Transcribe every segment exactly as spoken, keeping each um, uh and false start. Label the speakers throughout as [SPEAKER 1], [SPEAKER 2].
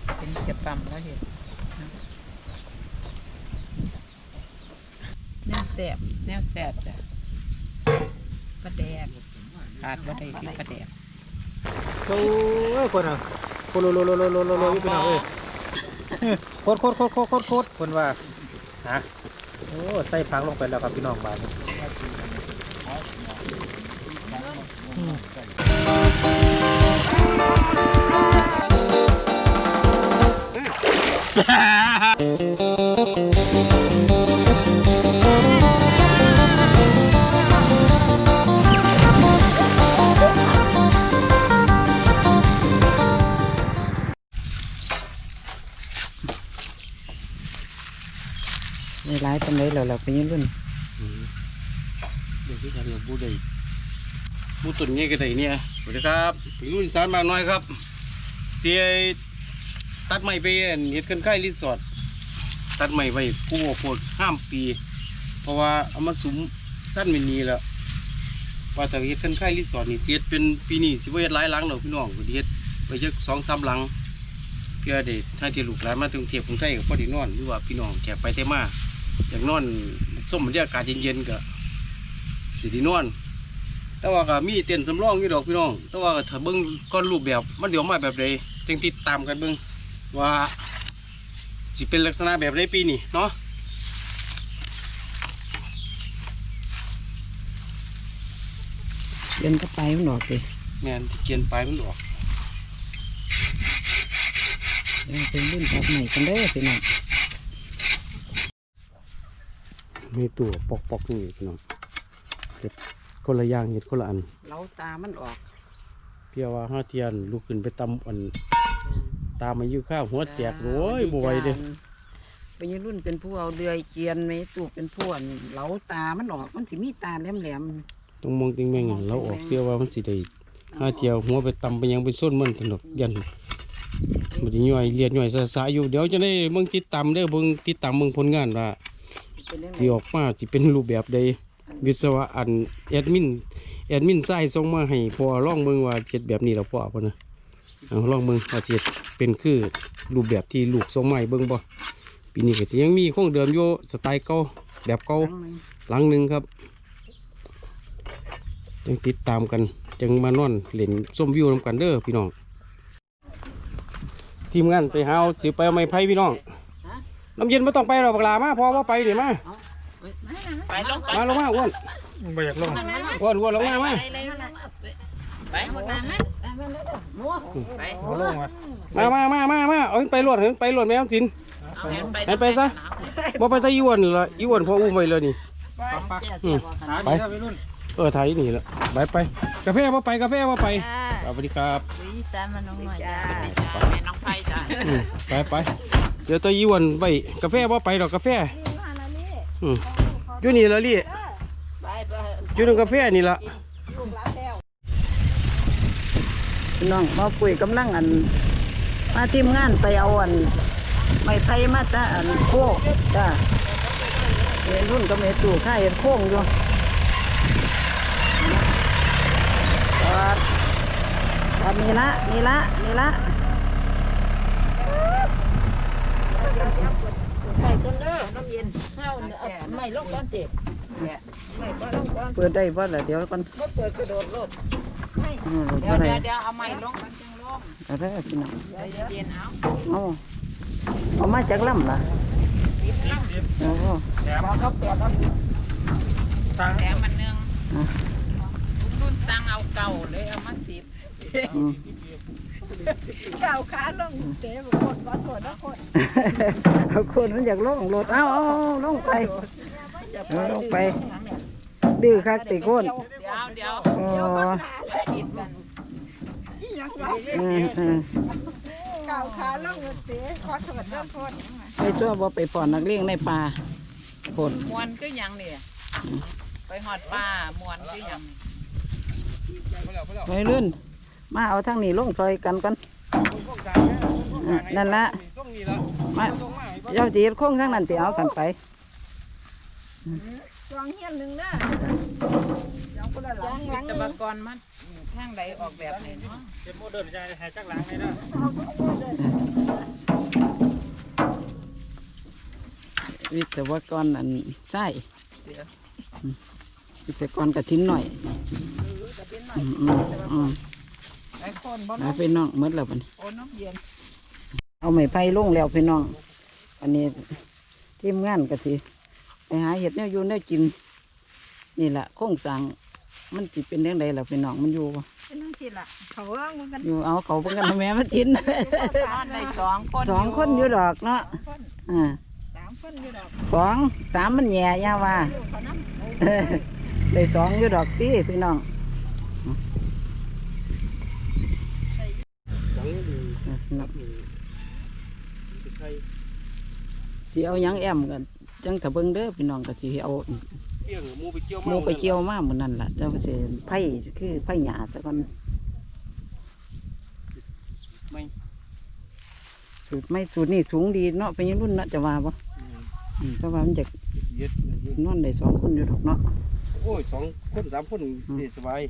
[SPEAKER 1] เป็นเสียปั๊มแล้วเห็นแนวแสบแนวแสบจ้ะปลาแดกขาดว่าได้ที่ปลาแดก
[SPEAKER 2] โอ้ยคนอ่ะโคโลโลโลโลโลโลโลอยู่เป็นเอาเลยโคตรโคตรโคตรโคตรโคตรโคตรคนว่าฮะโอ้ใส่ผักลงไปแล้วครับพี่น้องบ้าน
[SPEAKER 1] ในร้ายตรงไหนเราเราไปยืนรุ่น
[SPEAKER 3] เดี๋ยวที่การเราบูได้บูตุ่นนี่ก็ได้เนี่ยสวัสดีครับถึงรุ่นสารมากน้อยครับเสียตัดไม้ไปเห็ดกันไข่รีสอร์ทตัดไม้ไปกู้โพดห้ามปีเพราะว่าเอามาสุมสั้นเป็นนี้แล้วว่าแต่เห็ดกันไข่รีสอร์ทนี่เสียเป็นปีนี้สิบเอ็ดหลายหลังเราพี่น้องก็เฮ็ดไปเยอะสองสามหลังเพื่อเด็กถ้าที่ลูกหลานมาถึงเทียบกรุงไทยกับพ่อที่นอนหรือว่าพี่น้องแกไปเทมาอย่างนอนส้มบรรยากาศเย็นๆก็สิไดีนอนแต่ว่าก็มีเต็นท์สำรองอยู่ดอกพี่น้องแต่ว่าถ้าเบิ้งก้อนรูปแบบมันเดี๋ยวมาแบบใดจึงติดตามกันเบิ้งว่าสิเป็นลักษณะแบบใดปีนี้เนาะ
[SPEAKER 1] เดินก็ไปมันออกสิ
[SPEAKER 3] แม่นเกียนปลายมันออก
[SPEAKER 1] เป็นรุ่นแบบใหม่กันได้พี่น้อง
[SPEAKER 3] มีตัวปอกปอกนี่พี่น้องเห็ดคนละอย่างเห็ดคนละอัน
[SPEAKER 1] เล้าตามันออก
[SPEAKER 3] เพียว่าห้าเทียนลูกขึ้นไปตำอันตามมาอยู่ข้าวหัวแตกโว้ยบวยเด้
[SPEAKER 1] เป็นรุ่นเป็นผู้เอาเดือยเกียนไม่ตูเป็นผู้อันเล้าตามันออกมันสิมีตาแหลมแหลม
[SPEAKER 3] ตรงมองติงแมงเราออกเพียว่ามันสิได้ห้าเทียวหัวไปตำไปยังไปส้นมันสนุกยันมันจะย่อยเลียดย่อยสะสะอยู่เดี๋ยวจะได้เบิ่งติดตามเด้อเบิ่งติดตามเบิ่งผลงานว่าสิออกมาสิเป็นรูปแบบใดวิศวะอันแอดมินแอดมินไส้ส่งมาให้พอลองเบิ่งว่าเฮ็ดแบบนี้แล้วพอป่ะนะเอาลองเบิ่งว่าสิเป็นคือรูปแบบที่ลูกส่งมาให้เบิ่งบ่ปีนี้ก็สิยังมีคงเดิมอยู่สไตล์เก่าแบบเก่าหลังนึงครับยังติดตามกันจังมานอนเล่นส้มวิวนำกันเด้อพี่น้องทีมงานไปหาสิไปเอาไม้ไผ่พี่น้องน้ำเย็นไม่ต้องไปหรอกปลามาพอว่าไปเดี๋ยวมา
[SPEAKER 1] ไปลง
[SPEAKER 3] มาลงมาอ้วน
[SPEAKER 2] ไม่อยากลง
[SPEAKER 3] อ้วนอ้วนลงมามา
[SPEAKER 1] ไปหมดน้ำนะ
[SPEAKER 3] ไปมามามามามาเอาไปหลวดเห็นไปหลวดแม่สินเห็นไปซะบ่ไปตะอีอ้วนละอีอ้วนพออุ้มไปเลยนี่ไปเออไทยนี่ละไปไปกาแฟว่าไปกาแฟว่าไปสวัสดีครับ
[SPEAKER 1] วิจารณ์มันน้องหน่อยจ้าแม่น้องไผ่จ้า
[SPEAKER 3] ไปไปเดี๋ยวตัวอีอ้วนไปกาแฟว่าไปหรอกกาแฟอยู่นี่ละลี่อยู่ในกาแฟนี่ละ
[SPEAKER 1] น้องมาคุยกำลังอันมาทีมงานไปเอาอันไม่ไผ่มาตาอันโค้งจ้าเรียนรุ่นก็ไม่ตู่ข้าเห็นโค้งอยู่ตอนนี้ละนี่ละนี่ละใส่ต้นเด้อน้ำเย็นข้าวไม่ลงก้อนเจ็บเปิดได้บ่ล่ะเดี๋ยวก่อนเปิดกระโดดรถเดี๋ยวเดี๋ยวเดี๋ยวเอาไม้ลงจังลงเอาได้พี่น้องเย็นเอาเอาเอามาจากลำล่ะโอ้โหแถมเขาแถมแถมมันนึงรุ่นตังเอาเก่าเลยเอามาสิบเก่าขาลงเตะคนวัดคนนะคนเอาคนมันอยากลงรถเอาเอาลงไปลงไปดื้อคักติโคนเดี๋ยวเดี๋ยวอ๋อเก่าขาลงเตะขอถอดเรื่องคนไปชั่วบ่ไปป่อนนักเลี้ยงในป่าคนมวนก็ยังเนี่ยไปหอดป่ามวนก็ยังไปลื่นมาเอาทั้งนี้ลงซอยกันกันนั่นละมาเจ้าจีบโค้งทั้งนั้นเตี๋ยวกันไปจองเฮียนหนึ่งนะจองคนละหลังวิศวกรมันทางใดออกแบบไหนเนาะ
[SPEAKER 2] เป็นโมเดิร์นใจหายจากหลังเลยนะ
[SPEAKER 1] วิศวกรอันใช่วิศวกรกระทิ้นหน่อยอืมอืมอืม
[SPEAKER 4] ไอ้คนบ่
[SPEAKER 1] หาพี่น้องหมดแล้วบัดนี้
[SPEAKER 4] โอ้น้ำเย็น
[SPEAKER 1] เอาไม้ไผ่ลงแล้วพี่น้องอันนี้ทีมงานก็สิไปหาเห็ดแนวอยู่แนวกินนี่แหละโครงสร้างมันจิเป็นยังไงล่ะพี่น้องมันอยู่บ่
[SPEAKER 4] เป็นนั่งสิล่ะเขาว่ามันกัน
[SPEAKER 1] อยู่เอาเขาเพิ่งกันแม่มากิน
[SPEAKER 4] ในสองคน
[SPEAKER 1] สองคนอยู่ดอกเนาะอ่า
[SPEAKER 4] สามคนอยู่ดอก
[SPEAKER 1] สองสามมันแย่ยาว่า
[SPEAKER 4] ลูกเขาน้ำ
[SPEAKER 1] เออได้สองอยู่ดอกตีพี่น้อง
[SPEAKER 3] จังดี
[SPEAKER 1] นับ
[SPEAKER 3] สิใคร
[SPEAKER 1] สิเอาหยังแอมกันจังถ้าเบิ่งเด้อพี่น้องก็สิเอา
[SPEAKER 3] เกี่ยงหมูไปเกี่ยว
[SPEAKER 1] หมูไปเกี่ยวมาเหมือนนั่นล่ะเจ้าก็สิไผ่คือไผ่หญ้าซะก่อน
[SPEAKER 3] ไม่
[SPEAKER 1] สูตรไม่สูตรนี่สูงดีเนาะเป็นยังรุ่นเนาะจะว่าบ่อืมเพราะว่ามันจะ
[SPEAKER 3] เย็ด
[SPEAKER 1] นอนได้สองคนอยู่ดอกเนาะ
[SPEAKER 3] โอ้ยสองคนสามคนดีสบาย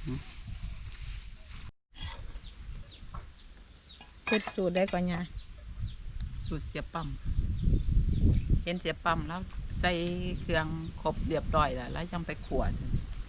[SPEAKER 4] เป็ดสูตรได้ก่อนยา
[SPEAKER 5] สูตรเสียปั๊มเห็นเสียปั๊มแล้วใส่เครื่องครบเรียบร้อยแล้วแล้วยังไปขวด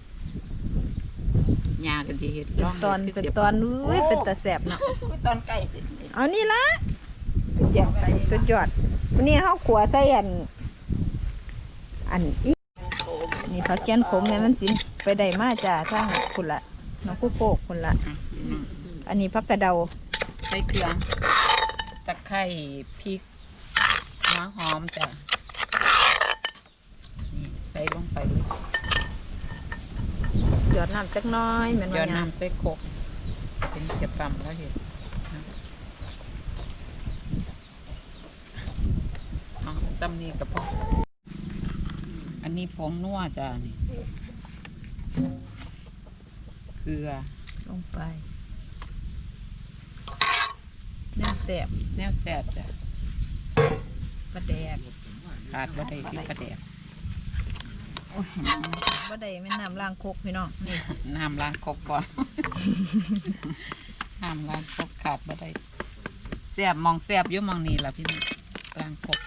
[SPEAKER 5] ยากันที่เห็ด
[SPEAKER 4] เป็น
[SPEAKER 5] ร่อง
[SPEAKER 4] ตอน
[SPEAKER 5] ฮ็ด
[SPEAKER 4] เป็น
[SPEAKER 5] สีย
[SPEAKER 4] ตอน
[SPEAKER 5] ปั๊ม
[SPEAKER 4] อุ้ยเป็นตาแสบเนาะ
[SPEAKER 1] ตอนไก่
[SPEAKER 4] เอานี่ละแจ่วไปสุดยอดวันนี้เขาขัวใส่อัน อันอีนี่ผักแกนขมแม่มันสินไปได้มาจ้าทางคุณละน้องกุ๊กโกกคุณละ
[SPEAKER 5] อ่ะพี่น้อง
[SPEAKER 4] อันนี้ผักกระเดา
[SPEAKER 5] ใส่เครื่องตะไคร้พริกหัวหอมจ้ะนี่ใส่ลงไปเลย
[SPEAKER 4] หยอดน้ำจักหน้อยแม่น
[SPEAKER 5] เดี๋ยว
[SPEAKER 4] ว่าหยัง
[SPEAKER 5] น้ำใส่โคกเป็นเสียปั๊มแล้วเห็ดนะเอาซ้ำนี่กับพ่ออันนี้ผงนัวจ้ะนี่เกลือ
[SPEAKER 4] ลงไปแนวแสบ
[SPEAKER 5] แนวแซ่บจ้ะ
[SPEAKER 4] ปลาแดก
[SPEAKER 5] ขาดบ่ได้ที่ประเดี๋ยว
[SPEAKER 4] บ่ได้แม่นน้ำล้างโคกพี่น้องนี่
[SPEAKER 5] น้ำล้างครกก่อน น้ำล้างครกขาดบ่ได้แซ่บมองแซ่บอยู่มองนี่ล่ะพี่น้องล้างครก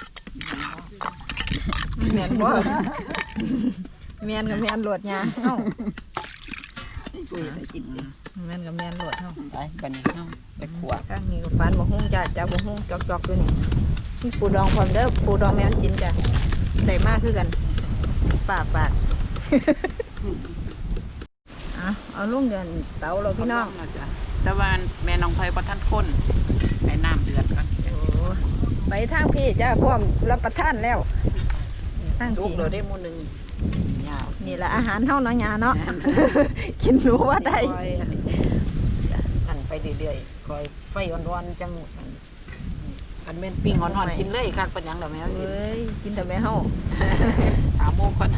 [SPEAKER 4] แม่นบ่ แม่นกับแม่นโหลดยาเอ้า
[SPEAKER 5] คุยได้กิน
[SPEAKER 4] แม่นกับแม่นโหลดเฮา
[SPEAKER 5] ไปบัดนี้เฮาไปขวด
[SPEAKER 4] ข้างนี้ก็ฟันบ่ฮู้จ้าจ้าบ่ฮู้จอกๆอยู่นี่มีปูดองพร้อมเด้อปูดองแม่นกินจ้ะได้มากคือกันปากปาก อ่ะเอาลงเดือนเตาเราพี่น้อง
[SPEAKER 5] เอาจ้ะแต่ว่าแม่น้องไผบ่ทันคนให้น้ำเดือดก่อน
[SPEAKER 4] โอ้ไปทางพี่จ้าพร้อมรับประทานแล้วทาง
[SPEAKER 5] จุก
[SPEAKER 4] พี่
[SPEAKER 5] เราได้หมู่หนึงยาว
[SPEAKER 4] นี่แหละอาหารเฮาเนาะยาเนาะ กินรู้ว่าได้
[SPEAKER 1] คอยหั่นไปเรื่อยๆคอยไฟอ่อนๆจังอันอันแม่นปิ้งอ่อนๆกินเลยคักเป็นหยังดอกแมวนี่
[SPEAKER 4] เอ้ยกินแต่แม่เฮา
[SPEAKER 5] ถามโมก่อน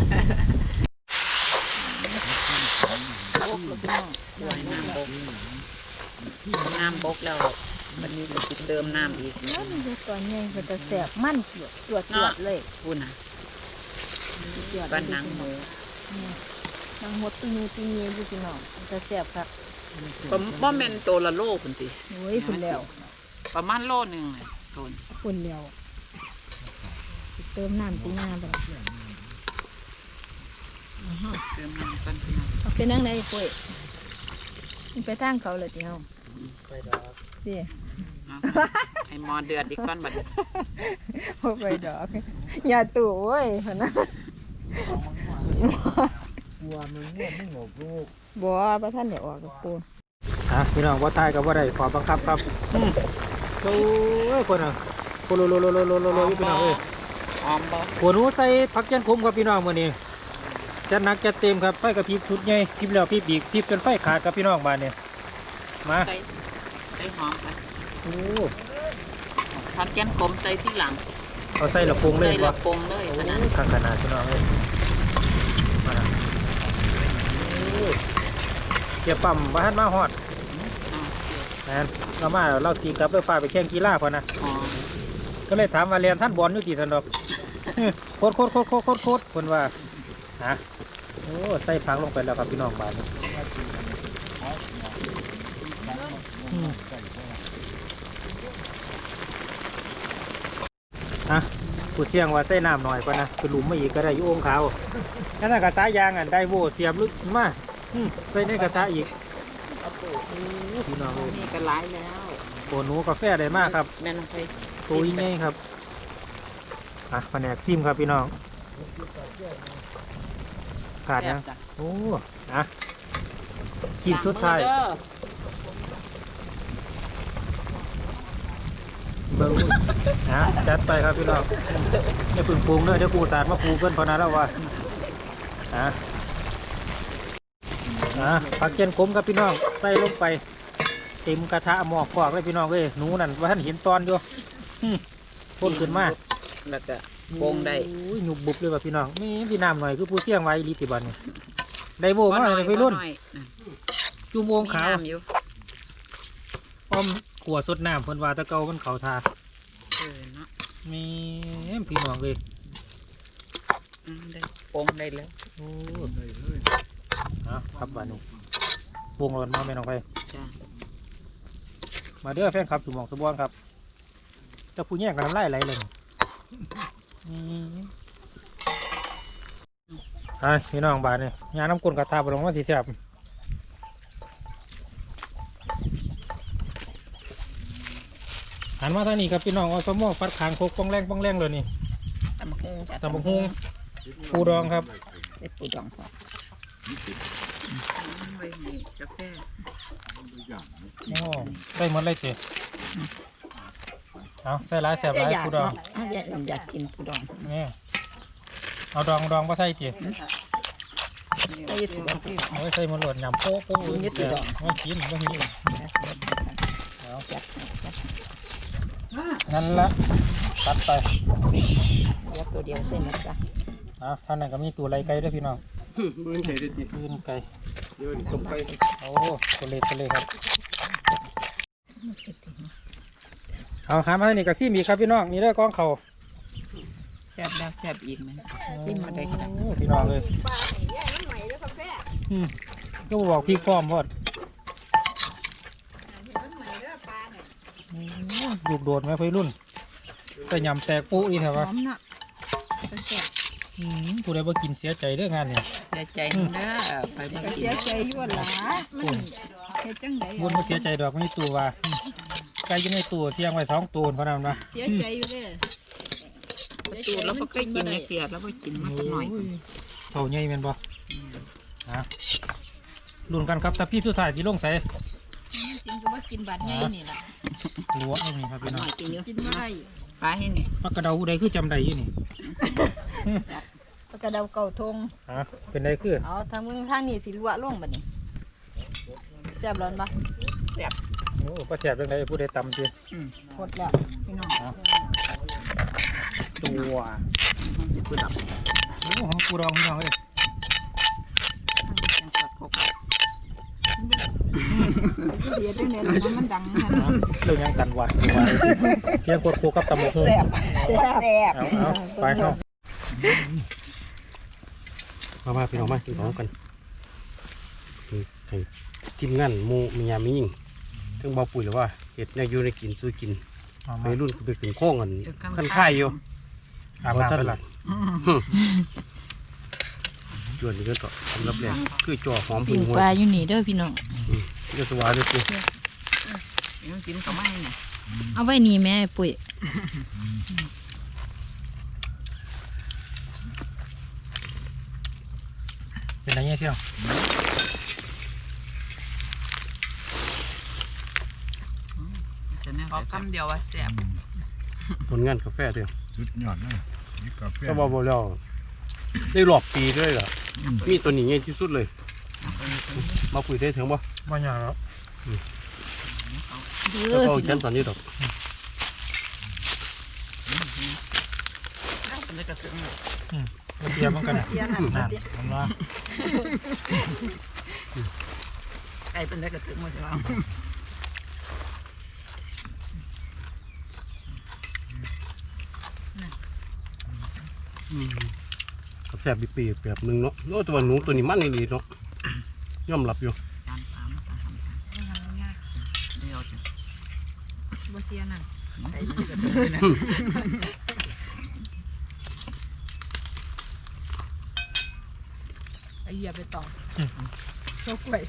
[SPEAKER 1] โอ้แล้วพี่น้อง
[SPEAKER 5] ด้วยน้ำบกน้ำบกแล้ววันนี้เราจะเติมน้ำอีก
[SPEAKER 4] นั่นคือตัวใหญ่เป็นตะแสบมันจวดจวดจวดเลย
[SPEAKER 5] พูดนะบ้านหนังหมู
[SPEAKER 4] นางหดตีนีตีนีอยู่พี่น้องตะแสบครับ
[SPEAKER 5] ผมว่าเป็นตัวละโลคุณติ
[SPEAKER 4] โอ้ยพุ่นแล้ว
[SPEAKER 5] ประมาณโลหนึ่งเลยโดน
[SPEAKER 4] พุ่นแล้วเติมน้ำสีงาไป
[SPEAKER 5] เติมน้ำก่อนพี่น้อง
[SPEAKER 4] เอาเป็นนั่งได้ปุ้ยมันไปทางเขาเลยทีเฮาสิ
[SPEAKER 5] เอาให้หมอเดือดอีกก้อนบัดนี้
[SPEAKER 4] โอ้ไปดอกอย่าตู่เว้ยพนนะ
[SPEAKER 3] วัวมันง่วงไม่หงอกลูก
[SPEAKER 4] บัวประท่านเดี๋ยวออกกับปู
[SPEAKER 2] อ่ะพี่น้องว่าทายกับว่าได้ขอบังคับครับอืมโอ้ยคนอ่ะโคโลโลโลโลโลโลโลพี่น้องเอ้ย
[SPEAKER 5] หอมบ่
[SPEAKER 2] หัวหนูใส่ผักแกนขมครับพี่น้องมื้อนี้จัดหนักจัดเต็มครับไฟกระพริบชุดใหญ่พริบแล้วพริบอีกพริบจนไฟขาดครับพี่น้องบ้านเนี่ยมา
[SPEAKER 5] ใส่ใส่หอมไป
[SPEAKER 2] โอ้
[SPEAKER 5] ผัดแก้มขมใส่ที่หลัง
[SPEAKER 2] เอาใส่ละปรุงเลย
[SPEAKER 5] ใส่
[SPEAKER 2] บ่
[SPEAKER 5] ละปงเลยขนาด
[SPEAKER 2] ข้างขนาดพี่น้องเอ้ยมาละโอ้เกี่ยวปั๊มบ้านมาฮอด
[SPEAKER 5] เอา
[SPEAKER 2] แมนเรามาเราตีกลับด้วยฟ้าไปแข่งกีฬาพอนะ
[SPEAKER 5] หอม
[SPEAKER 2] ก็เลยถามว่าเรียนท่านบอลอยู่ที่สันดอก โคตรโคตรโคตรโคตรโคตรโคตรคนว่าฮะโอ้ใส่พังลงไปแล้วครับพี่น้องบ้านนี้อืมอ่ะผู้เสี่ยงว่าใส่น้ำหน่อยกว่านะคือหลุมมาอีกก็ได้อยู่องขาวนั่นน่ะกระทะยางอ่ะได้โว่เสียบลึกมาใส่ในกระทะอีกพี่น้องเลย
[SPEAKER 5] นี่ก็หลายแล้ว
[SPEAKER 2] โอ้หนูกาแฟได้มากครับ
[SPEAKER 5] แม่น้องไป
[SPEAKER 2] ตัวใหญ่ครับอ่ะแผนกซิมครับพี่น้องขาดนะโอ้นะกินสุดท้ายเบิ้งนะจัดไปครับพี่น้องอย่าพึ่งปรุงเด้อเดี๋ยวกูสาดมาปรุงเพื่อนพอนะแล้ววะนะนะผักเจียนขมครับพี่น้องใส่ลงไปเต็มกระทะหมอกกอกเลยพี่น้องเอ้ยหนูนั่นว่าท่านเห็นตอนอยู่พ่นขึ้นมา
[SPEAKER 5] แล้วก็โปงได้
[SPEAKER 2] หยุบบุบเลยว่ะพี่น้องนี่พี่น้ำหน่อยคือผู้เสี่ยงไว้ลิติบันนี่ได้โบมาเลยพี่รุ่นจุ่มโอ่งขาวอ้อมขวดสดน้ำเพิ่นว่าตะเกามันเขาทา
[SPEAKER 5] เออเนาะ
[SPEAKER 2] มีพี่น้องเลย
[SPEAKER 5] ได้โปงได้แล้ว
[SPEAKER 2] โอ้ครับบ้านนี้วงรถมาแม่น้องไป
[SPEAKER 5] จ้า
[SPEAKER 2] มาเด้อแฟนครับสุหมองสุบอนครับจะผู้แย่งกันน้ำลายไหลเลยไอ้พี่น้องบ้านนี่ยาน้ำกลนกระทาบลงมาสีแสบหันมาทางนี้ครับพี่น้องเอาสมอฟัดขางโคกป้องแรงป้องแรงเลยนี่
[SPEAKER 5] ตำบักหุ่งจ้ะ
[SPEAKER 2] ตำบักหุ่งปูดองครับ
[SPEAKER 5] ไอ้ปูดองครับไว้นี่กาแฟ
[SPEAKER 2] โอ้ได้หมดเลยเจ๊เอาใส่ร้ายแสบร้ายปูดอง
[SPEAKER 5] อยากอยากกินปูดอง
[SPEAKER 2] นี่เอาดองดองมาใส่เจ๊
[SPEAKER 5] ใส่ถุงที่
[SPEAKER 2] เอาไว้ใส่หมดหลดยำโป๊ะโป๊ะเลยเจ๊ไม่กินไม่กินเอานั่นละตัดไป
[SPEAKER 5] เดี๋ยวตัวเดียวเส้นนะจ๊ะ
[SPEAKER 2] อ่ะท่านนั้นก็มีตัวไรไก่ด้วยพี่น้อง
[SPEAKER 3] มือใส่ได้ที
[SPEAKER 2] ปืนไก่
[SPEAKER 3] เดี๋ยวนี่ต้มไก่
[SPEAKER 2] โอ้ตัวเล็กตัวเล็กครับเอาหามาให้นี่กับซี่มีครับพี่น้องนี่เด้อกองเขา
[SPEAKER 5] แซ่บแล้วแซ่บอีกไหมซิมมาได้กัน
[SPEAKER 2] โอ้พี่น้องเลยอืมก็บอกพี่พร้อมพอดลูกโดดไหมพี่รุ่นแต่ยำแตกปุ๊อีแถว
[SPEAKER 5] หอ
[SPEAKER 2] วะ
[SPEAKER 5] มเนาะแซ่บ
[SPEAKER 2] อืมผู้ใดบ่กินเสียใจเด้องานเนี่ย
[SPEAKER 5] เสียใจเด้อไปบ่กิน
[SPEAKER 4] เสียใจยั่วหลามันเฮ็ดจังได๋
[SPEAKER 2] บุญบ่เสียใจดอกไม่ตัวว่าไก่อยู่ในตัวเสียงไว้สองตัวพะนั้นนะ
[SPEAKER 4] เสียใจอยู่เด้อ
[SPEAKER 5] ตูดแล้วก็เคยกินในเกลือแล้วก็กินมาตั้งหน่อย
[SPEAKER 2] เท่าใหญ่แม่นบ่ฮะลุ้นกันครับถ้าพี่สุดท้ายสิลงใส่
[SPEAKER 4] กินก็ว่ากินบาดใหญ่นี่ล่ะ
[SPEAKER 2] รั้วเอานี่ครับพี่น้อง
[SPEAKER 5] กินเยอะ
[SPEAKER 4] กินบ่ได้
[SPEAKER 5] ปลาให้นี่
[SPEAKER 2] ปากกระเดาผู้ใดคือจำได้อยู่นี่
[SPEAKER 4] ปากกระเดาเก่าทง
[SPEAKER 2] ฮะเป็นไดคือ
[SPEAKER 4] เอาทางมึงทางนี้สิรั่วลงบัดนี้แซ่บร้อนบ่
[SPEAKER 2] โอ้ประแสบเรื่องใดผู้ใดตำจี
[SPEAKER 4] หมดแล้วพี่น้อง
[SPEAKER 2] ตัวผู้ดับโอ้ของกูดองพี่น้องเอ้ย
[SPEAKER 5] จังสัดครบ
[SPEAKER 4] เสียจังได๋ล่ะมันดังหั่น
[SPEAKER 2] เอาเรื่องยังกันวะเที่ยงโคตรโคกับตำหมกหุ่ง
[SPEAKER 4] แซ่บแซ่บ
[SPEAKER 2] เอาเอาไปเข้า
[SPEAKER 3] มามาพี่น้องมากินของกันให้ทีมงานหมูมียามียิงถึงเบาปุ๋ยหรือว่าเห็ดเนี่ยอยู่ในกินสู้กิน
[SPEAKER 2] เอา
[SPEAKER 3] ไป
[SPEAKER 2] มา
[SPEAKER 3] รุ่นไปถึงโค้งกันขั้นค่ายอยู่
[SPEAKER 2] อาบน้ำไปละ
[SPEAKER 3] จวนนี่ก็ต่อสำหรับแรงคือจ่อหอม
[SPEAKER 4] ปิ้
[SPEAKER 3] พึ่
[SPEAKER 4] ง
[SPEAKER 3] งหัว
[SPEAKER 4] ปลาอยู่นี่เด้อพี่น้อง
[SPEAKER 3] จะสวาเลยสิ
[SPEAKER 5] ยังกินก็ไม่เนี่ย
[SPEAKER 4] เอาไว้นี่แม่ปุ้ย
[SPEAKER 2] เป็นไรเงี้ยเที่ยว
[SPEAKER 5] ขอคำเดียวว่าแซ่บ
[SPEAKER 3] ผลงานกาแฟเดียว
[SPEAKER 6] สุดยอดเลยนี่กาแฟ
[SPEAKER 3] ก็บอกบอกแล้วได้หลอกปีด้วยเหรอมีตัวนี้ง่ายที่สุดเลย มาปุ๋ยได้ถึงบ่
[SPEAKER 2] ว่าอย่างแล้ว
[SPEAKER 4] เด้
[SPEAKER 3] แล้ว
[SPEAKER 4] อ
[SPEAKER 3] ก็
[SPEAKER 4] พี่น้
[SPEAKER 3] จั
[SPEAKER 4] อน ง
[SPEAKER 3] ตอนนี้ดอก
[SPEAKER 5] เป็นได้กระถึง
[SPEAKER 2] มาเทียบมันกันนะ
[SPEAKER 4] เสียนั่น
[SPEAKER 2] นั่
[SPEAKER 4] ล่ะ
[SPEAKER 2] น
[SPEAKER 4] ติ
[SPEAKER 2] ผมว่า
[SPEAKER 5] ไก่เป็นได้กระถึงหมดแล้ว
[SPEAKER 3] กาแฟบีปีแบบหนึงเนาะโอ้ตัวหนูตัวนี้มันนี่ดีเนาะยอมรับอยู่
[SPEAKER 5] จานสามจานสามเดียวจ้ะ
[SPEAKER 4] บ่เสียนั่น
[SPEAKER 5] ไก่เป็นได้กระถึงนะเหยียบไปต่อโชกล้วย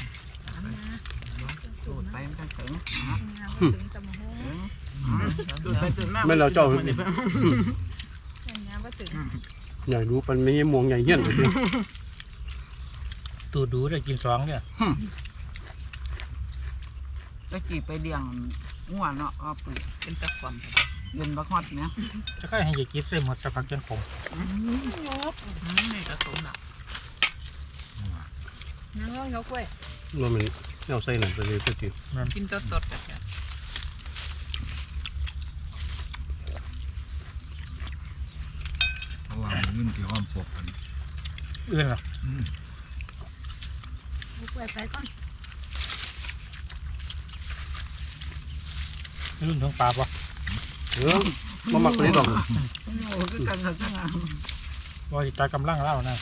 [SPEAKER 5] ดูดไปมันก็ถึงถึงจะมาห้องดูดไปดูดมาก
[SPEAKER 3] ไม่เราเจ้า
[SPEAKER 5] อย่างนี้ว่าถึง
[SPEAKER 3] ใหญ่รู้มันไม่ใช่มวงใหญ่เหี้ยนเลย
[SPEAKER 2] ตูดูได้กินสองเนี่ย
[SPEAKER 5] ตะกี้ไปเลี้ยงงัวเนาะเอาปุ๋ยเป็นตะความเย็นบักฮอดเนี่ย
[SPEAKER 2] จะค่อยให้ยายกินใส่หมดสักพักจนขม
[SPEAKER 5] นี่กระสมหนักนั่งร้องยกเว้ย
[SPEAKER 3] ว่ามันเอาใส่หนังไปเลยก็จริง
[SPEAKER 5] กินสดสดกันจ้ะ
[SPEAKER 6] เพราะว่ามันยื่นที่ห้อมปกกัน
[SPEAKER 2] อื่นหรอย
[SPEAKER 5] กเว้ยไปก่อน
[SPEAKER 2] รุ่นถึงปลาปะ
[SPEAKER 3] เออมาหมักไปนี่หรอก
[SPEAKER 5] โอ้คือกันกันงาม
[SPEAKER 2] ว่าจิตากำลังเล่านะ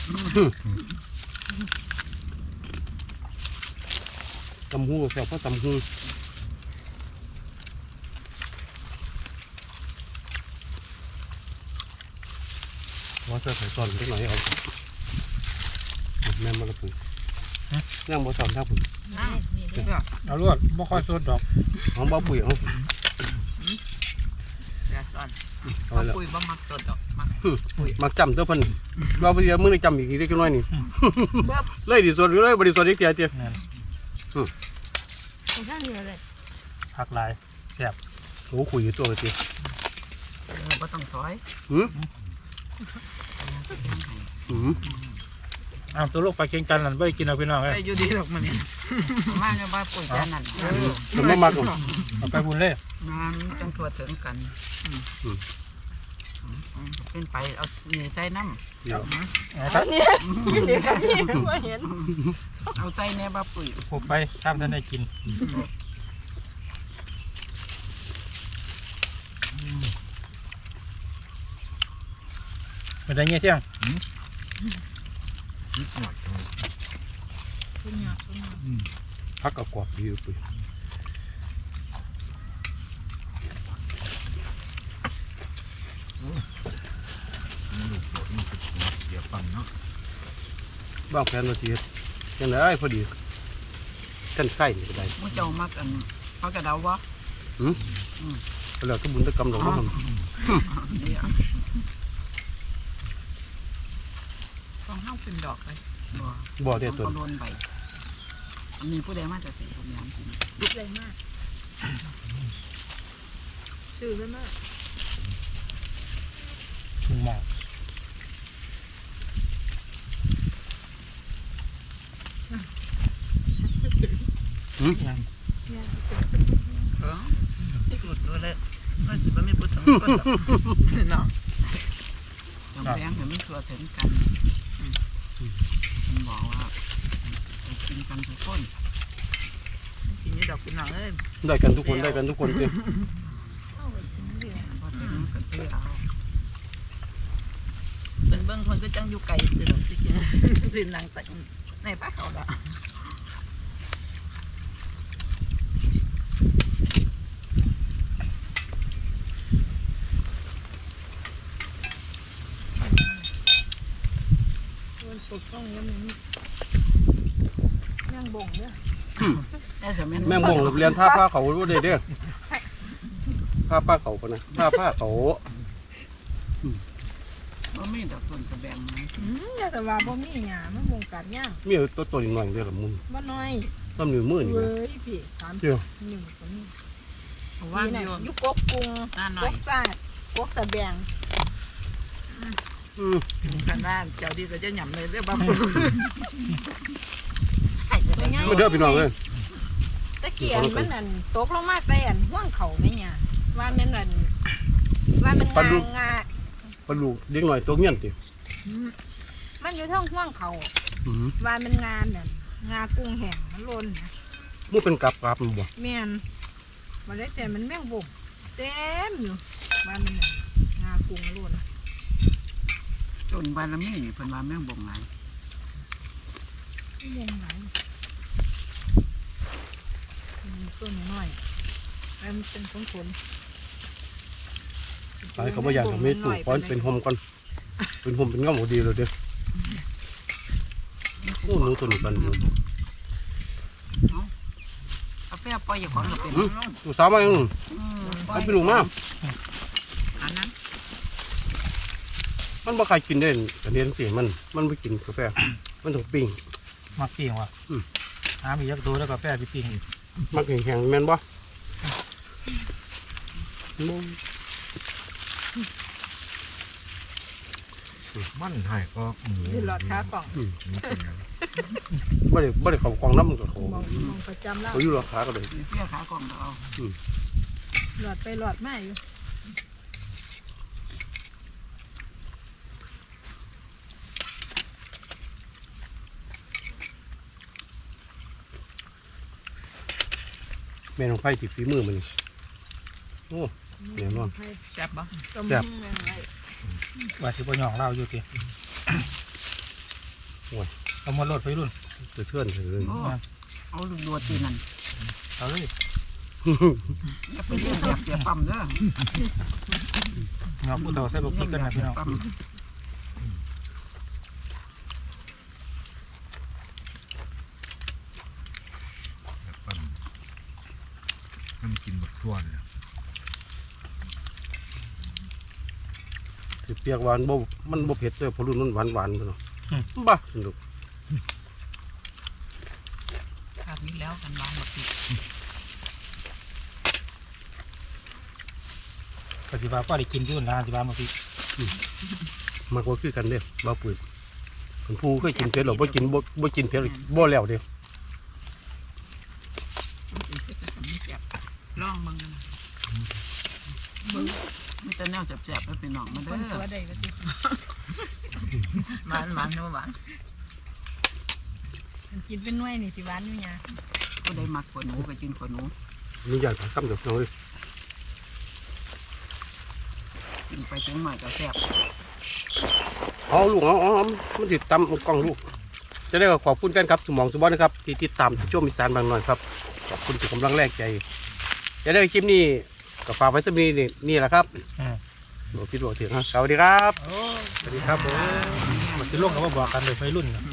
[SPEAKER 3] ตำหูแซ่บเพราะตำหูว่าจะใส่ซอนเล็กน้อยเอาแม่มาละปุ๋ยย่างบ่ซอนท่าปุ๋ย
[SPEAKER 2] เอาลวดบ่ค่อยสดดอก
[SPEAKER 3] ของบ่ปุ๋ยเอา
[SPEAKER 5] เดี๋ยวก่อน
[SPEAKER 3] เอา
[SPEAKER 5] เอา
[SPEAKER 3] แล้ว
[SPEAKER 5] ปุ๋ยบ่มักสดดอกมัก
[SPEAKER 3] มักจำตัวเพิ่นว่าบ่เดี๋ยวมื้อนี้จำอีกทีเล็กน้อยนี่เลยดิสดเลยบ่ได้สดอีกเตียเตีย
[SPEAKER 2] นั่น
[SPEAKER 5] ข้างเหนือเลย
[SPEAKER 2] ผักหลายแซ่บ
[SPEAKER 3] โอ้คุยอยู่ตัวเตีย
[SPEAKER 5] เออบ่ต้องถอย
[SPEAKER 3] หืมหืม
[SPEAKER 2] เอาตัวลูกปลาเค็งจันทร์นั่นไว้กินเอาพี่น้อง
[SPEAKER 5] ไป
[SPEAKER 2] เอ้ย
[SPEAKER 5] อยู่ดีหรอกมันเนี่ยมาเนี่ยบ้านปุ๋ยแค่นั้นเออ
[SPEAKER 3] มันบ่มักหรอก
[SPEAKER 2] เอาไปบุญเลย
[SPEAKER 5] งานจังทั่วถึงกันเป็นไปเอาหนีใจน้ำ
[SPEAKER 3] เดี๋ยว
[SPEAKER 2] เอาครับ
[SPEAKER 5] เดี๋ยวครับนี่ว่าเห็นเอาใจแน่บ้าปุ๋ย
[SPEAKER 2] ผมไปข้ามท่านได้กินเป็นไงเงี้ยเที่ยง
[SPEAKER 6] นิดหน่อยเลย
[SPEAKER 3] พักกับกรอบดีอยู่ปุ๋ย
[SPEAKER 6] มันลูกโดดมันคือเสียปังเนาะ
[SPEAKER 3] บ้างแผนเราสิเฮ็ดจังได๋พอดีกันไข่นี่ก็ได้
[SPEAKER 5] มุ้งเจ้ามักอันเขากระเดาวะ
[SPEAKER 3] หืมแล้วก็บุญตะกรรมดอกเนาะ
[SPEAKER 5] เดี๋ยวต้องห้ามเป็นดอกเลยบ่
[SPEAKER 3] บ่ได้ตัว
[SPEAKER 5] เขาโดนใบอันนี้ผู้ใดมาจากสีผมยามจริงดุเลยมากชื่อเลยมาก
[SPEAKER 2] ถุงหมอก
[SPEAKER 3] หืม
[SPEAKER 2] ยัง
[SPEAKER 5] เออที่หลุดตัวเลยก็สิบ่มีผู้สมคนเนาะจำแพงเดี๋ยวมันทั่วถึงกันมันบอกว่ากินกันทุกคนกินนี่ดอกเป็นหนังเอ้ย
[SPEAKER 3] ได้กันทุกคนได้กันทุกคนเด้อ
[SPEAKER 5] พอถึงก็เที่ยวเป็นเบื้องคนก็จังอยู่ไกลคือดอกสิจริงสินางแต่ในป้าเขาละปกต้องยังมียังบ่งเนี่ย
[SPEAKER 3] แม่งบ่งเรียนท่าผ้าเขาบ่ได้เด้อผ้าผ้าเขาปะนะผ้าผ้าเขา
[SPEAKER 5] ว่าไม่ดอกส่วนกระแบงไหม
[SPEAKER 4] อืมแต่ว่าบ่มีหยามันบ่งกัดย่าง
[SPEAKER 3] มีตัวตัวนิดหน่อยเด้อละมุน
[SPEAKER 4] บ่น้อย
[SPEAKER 3] ต้นนิ้วมือนี่
[SPEAKER 4] เว้
[SPEAKER 3] นะ
[SPEAKER 4] ยพี่สาม
[SPEAKER 3] เดี๋ยว
[SPEAKER 4] นิ้วก็มี
[SPEAKER 5] ว่า
[SPEAKER 4] นี่น่ะ
[SPEAKER 5] โยน
[SPEAKER 4] อยู่กกกรุง
[SPEAKER 5] หน้าหน่
[SPEAKER 4] ก
[SPEAKER 5] อย
[SPEAKER 4] กซาดกกตะแบง
[SPEAKER 3] อืม
[SPEAKER 5] กันว่าเจ้าดีก็จะหย่ำเลยเรื่องบ้า
[SPEAKER 4] ตัวใหญ่
[SPEAKER 3] มาเด้อพี่น้องเอ้ย
[SPEAKER 4] ตะเกียนมันนั่นตกลงมาใส่อันห่วงเขาแม่หยาว่าแม่นนั่นว่ามันงางา
[SPEAKER 3] ปลาลูกเด็กหน่อยตัวเงี้ยนติ
[SPEAKER 4] อืมมันอยู่เทั้งห่วงเขา
[SPEAKER 3] อืม
[SPEAKER 4] ว่ามันงานนั่นงากุ้งแห้งมันหล่นนะ
[SPEAKER 3] มันเป็นกับกับมันบ่
[SPEAKER 4] แม่นบ่ได้แต่มันแม่งบ่มเต็มอยู่ว่ามันนั่นงากุ้งหล่น
[SPEAKER 5] จนบานละมีเพิ่นว่าแม่งบ่งไหล
[SPEAKER 4] บ่มไหลอืมต้นน้อยแล้วมันเป็นผลผล
[SPEAKER 3] ตายเขาบ่อยากจะมีตู้ป้อนเป็นห่มก่อนเป็นห่มเป็นเงาบ่ดีเลยเด้อโอ้หนูตัวนี้กันหนู
[SPEAKER 5] กาแฟปล่อยอย่างของเราเป็น
[SPEAKER 3] ลูกสาวมายังให้ไปลูกมา
[SPEAKER 5] อันนั้น
[SPEAKER 3] มันบ่ใครกินได้กระเด็นเสียมันมันไม่กินกาแฟมันต้องปิ้ง
[SPEAKER 2] มักปิ้งว่ะหามียักษ์ดูแล้วกาแฟไปปิ้ง
[SPEAKER 3] มักแข็งๆแม่นบ่
[SPEAKER 6] มันให้ก็หมู
[SPEAKER 4] นี่หลอดขากล่อง
[SPEAKER 3] บ่ได้บ่ได้เข้ากองน้ำมันก็เขา
[SPEAKER 4] มองมองประจำแล้ว
[SPEAKER 3] เขาอยู่ราคาก็เลย
[SPEAKER 5] เปี้ยขากล่องเรา
[SPEAKER 4] หลอดไปหลอดมาอยู่
[SPEAKER 3] แม่น้องไผ่ที่ฝีมือมันโอ้แน่นอน
[SPEAKER 5] แซ่บบ่
[SPEAKER 3] แซ่บ
[SPEAKER 2] ว่าสิบ่หยองเล่าอยู่ติ
[SPEAKER 3] โอ้ย
[SPEAKER 2] เอามาโลดไปรุ่น
[SPEAKER 3] เทื่อนๆเลย
[SPEAKER 5] เอาลูกดัวตีนั่น
[SPEAKER 2] เอาเลย
[SPEAKER 5] อย่าไปเลี้ยงแบบเสียปั๊มเด้อ
[SPEAKER 2] เงาผู้เฒ่าใส่บุกพริกกันนะพี่น้อง
[SPEAKER 5] ปั๊ม
[SPEAKER 6] ปั้นมันกินแบบทั่วเลย
[SPEAKER 3] ถือเปียกหวานบ่มันบ่เผ็ดเลยเพราะรุ่นมันหวานหวานๆเนาะบ้าสนุก
[SPEAKER 5] ขาดนี้แล้วกันวางหมดติด
[SPEAKER 2] ปฏิบัติก็ได้กินอยุ่นนะปฏิบัติมาพี่
[SPEAKER 3] มากกว่าคือกันเด้บ่ปืนคนผู้เคยกินเผ็ดหรอบ่กินบ่บ่กินเผ็ดบ่แล้วเด้
[SPEAKER 5] ลองมึงมีแต่แนวแซ่บๆแล้วเป็นน้องมาเด้
[SPEAKER 4] คนตัว
[SPEAKER 5] อ
[SPEAKER 4] ใดก็ติ
[SPEAKER 5] มันมันนู่นหวาน
[SPEAKER 4] กินเป็นหน่วยนี่สิหวานอยู่เนี่ย
[SPEAKER 5] ก็ได้มักกว่าหนูก็กินกว่าหนู
[SPEAKER 3] มีอย่างคำเดียวน้องเลย
[SPEAKER 5] กินไปจังหน่อยก็แซ่บ
[SPEAKER 3] เอาลูกเอาเอาเอามันติดตามกล้องลูกจะได้ก็ขอบคุณแฟนครับสมองสมบัตินะครับที่ติดตามช่วงอีสานบางหน่อยครับขอบคุณที่กำลังแรกใจจะได้คลิปนี้ก็ฝากไว้สักนิดนี่นี่แหละครับ
[SPEAKER 2] อืม
[SPEAKER 3] หลวงพี่หลวงถึงครับสวัสดีครับ
[SPEAKER 2] สวัสดีครับผมมาสิลงกับว่าบอกกันเลยไปรุ่นนะ